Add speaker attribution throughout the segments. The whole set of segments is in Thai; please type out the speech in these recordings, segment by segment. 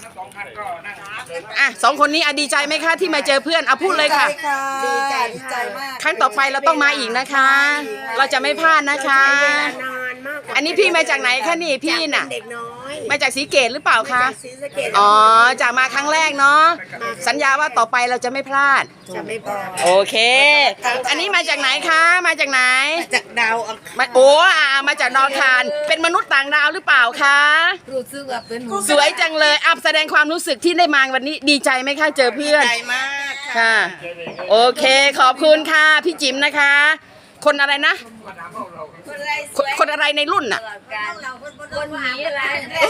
Speaker 1: อ่ะสองคนนี้ดีใจไหมคะที่มาเจอเพื่อนพูดเลยค่ะ
Speaker 2: ดีใจมาก
Speaker 1: ครั้งต่อไปเราต้องมาอีกนะคะ เราจะไม่พลาดนะคะอันนี้พี่มาจากไหนคะนี่พี่น่ะ
Speaker 2: เด็กน้อย
Speaker 1: มาจากศรีเกตหรือเปล่าคะ
Speaker 2: ศรีสะเกษ
Speaker 1: อ๋อจากมาครั้งแรกเนาะสัญญาว่าต่อไปเราจะไม่พลาด
Speaker 2: จะไม่พอ
Speaker 1: โอเคอันนี้มาจากไหนคะมาจากไหน
Speaker 2: จากดาว
Speaker 1: โอ้มาจากดาวอังคารเป็นมนุษย์ต่างดาวหรือเปล่าคะ
Speaker 2: รู้สึกว่าเป็น
Speaker 1: สวยจังเลยแสดงความรู้สึกที่ได้มาวันนี้ดีใจไหมคะเจอเพื่อน
Speaker 2: ดีใจมาก
Speaker 1: ค่ะโอเคขอบคุณค่ะพี่จิ๋มนะคะ คนอะไรนะคนอะไรในรุ่นน่ะ
Speaker 2: คนหนีอะไร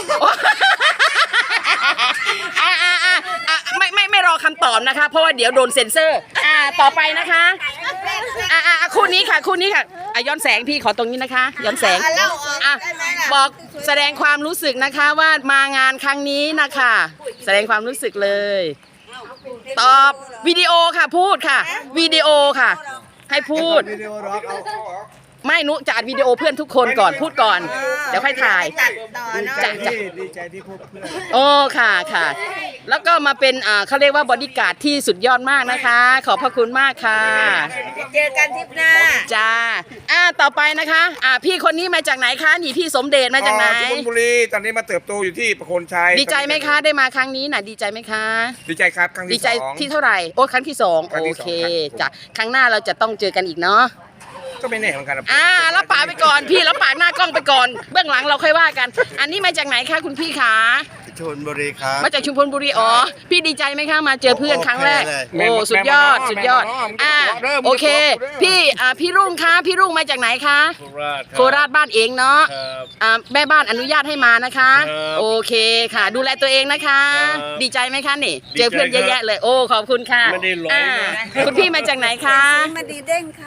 Speaker 1: ไม่รอคำตอบนะคะเพราะว่าเดี๋ยวโดนเซ็นเซอร์ต่อไปนะคะคู่นี้ค่ะย้อนแสงพี่ขอตรงนี้นะคะย้อนแสงบอกแสดงความรู้สึกนะคะว่ามางานครั้งนี้นะคะแสดงความรู้สึกเลยตอบวิดีโอค่ะพูดค่ะวิดีโอค่ะให้พูดไม่นุจะอัดวิดีโอเพื่อนทุกคนก่อนพูดก่อนเดี๋ยวค่อยถ่าย
Speaker 3: ดีใจที่พบเพื่อน
Speaker 1: โอ้ค่ะแล้วก็มาเป็นเขาเรียกว่าบอดี้การ์ดที่สุดยอดมากนะคะขอบพระคุณมากค่ะ
Speaker 2: เจอกันทริปหน้า
Speaker 1: จ้าต่อไปนะคะพี่คนนี้มาจากไหนคะนี่พี่สมเด็จมาจากไหน
Speaker 3: ชลบุรีตอนนี้มาเติบโตอยู่ที่ประโคนชัย
Speaker 1: ดีใจไหมคะได้มาครั้งนี้น่ะดีใจไหมคะ
Speaker 3: ดีใจครับครั้งที่2
Speaker 1: ดีใจที่เท่าไหร่ครั้งที่2โอเคจ้ะครั้งหน้าเราจะต้องเจอกันอีกเนาะ
Speaker 3: ก็ไม่แน่เหมือนกัน
Speaker 1: รับปากไปก่อนพี่รับปากหน้ากล้องไปก่อนเบื้องหลังเราค่อยว่ากันอันนี้มาจากไหนคะคุณพี่คะ
Speaker 4: ชลบุรีครับ
Speaker 1: มาจากชุมพลบุรีพี่ดีใจไหมคะมาเจอเพื่อนครั้งแรกสุดยอดโอเคพี่รุ่งคะพี่รุ่งมาจากไหนคะโคราชบ้านเองเนาะแม่บ้านอนุญาตให้มานะคะโอเคค่ะดูแลตัวเองนะคะดีใจไหมคะนี่เจอเพื่อนเยอะแยะเลยขอบคุณค่ะคุณพี่มาจากไหนคะ
Speaker 2: มาดีเด้งค่ะ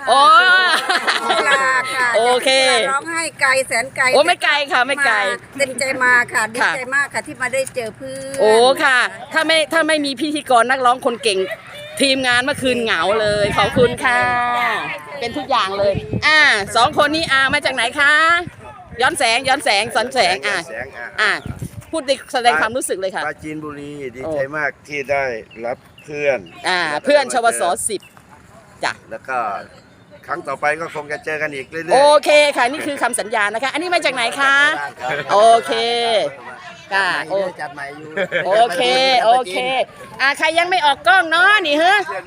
Speaker 1: โอเค
Speaker 2: ร้องให้ไกลแสนไกล
Speaker 1: ไม่ไกลค่ะไม่ไกล
Speaker 2: เต็มใจมาค่ะดีใจมากค่ะที่มาได้เจอเพื่อน
Speaker 1: ค่ะถ้าไม่มีพิธีกรนักร้องคนเก่งทีมงานเมื่อคืนเหงาเลยขอบคุณค่ะเป็นทุกอย่างเลยสองคนนี้มาจากไหนคะย้อนแสงสอนแสงพูดแสดงความรู้สึกเลยค่ะ
Speaker 4: ปราจีนบุรีดีใจมากที่ได้รับเพื่อน
Speaker 1: เพื่อนชวส10จ้ะ
Speaker 4: แล้วก็ครั้งต่อไปก็คงจะเจอกันอีกเรื่อย
Speaker 1: ๆโอเคค่ะนี่คือคำสัญญานะคะอันนี้มาจากไหนคะโอเคค่ะ
Speaker 4: จัดใหม่อยู่
Speaker 1: โอเคใครยังไม่ออกกล้องเนาะนี่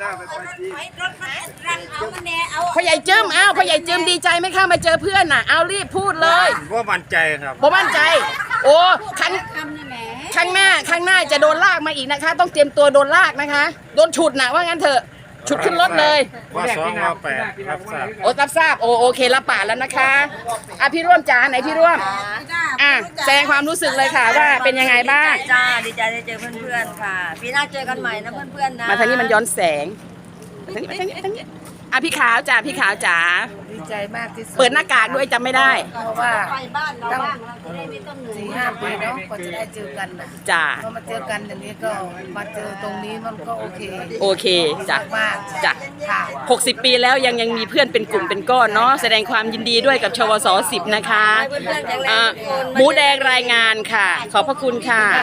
Speaker 1: พ่อใหญ่จื้มพ่อใหญ่จื้มดีใจไหมคะมาเจอเพื่อนน่ะเอารีบพูดเลย
Speaker 3: ว่ามั่นใจครับ
Speaker 1: มั่นใจครั้งหน้าจะโดนลากมาอีกนะคะต้องเตรียมตัวโดนลากนะคะโดนฉุดนะว่างั้นเถอะฉุดขึ้นรถเลย
Speaker 3: ว่า2 ว่า 8รับทราบ
Speaker 1: รับทราบโอเครับปากแล้วนะคะพี่ร่วมจ้าไหนพี่ร่วมแสดงความรู้สึกเลยค่ะว่าเป็นยังไงบ้าง
Speaker 2: จ้าดีใจได้เจอเพื่อนๆค่ะปีหน้าเจอกันใหม่นะเพื่อนๆนะ
Speaker 1: มาทางนี้มันย้อนแสงทางนี้พี่ขาวจ๋า
Speaker 2: ดีใจมากที่สุด
Speaker 1: เปิดหน้ากากด้วยจำไม่ได้
Speaker 2: เพราะว่าตั้ง4-5 ปีเนาะกว่าจะได้เจอกันนะ
Speaker 1: จ้า
Speaker 2: พอมาเจอกันอย่างนี้ก็มาเจอตรงนี้มันก็โ
Speaker 1: อเคจ้ะ
Speaker 2: มาก
Speaker 1: จ้ะ60 ปีแล้วยังมีเพื่อนเป็นกลุ่มเป็นก้อนเนาะแสดงความยินดีด้วยกับชวส10นะคะหมูแดงรายงานค่ะขอบพระคุณค่ะ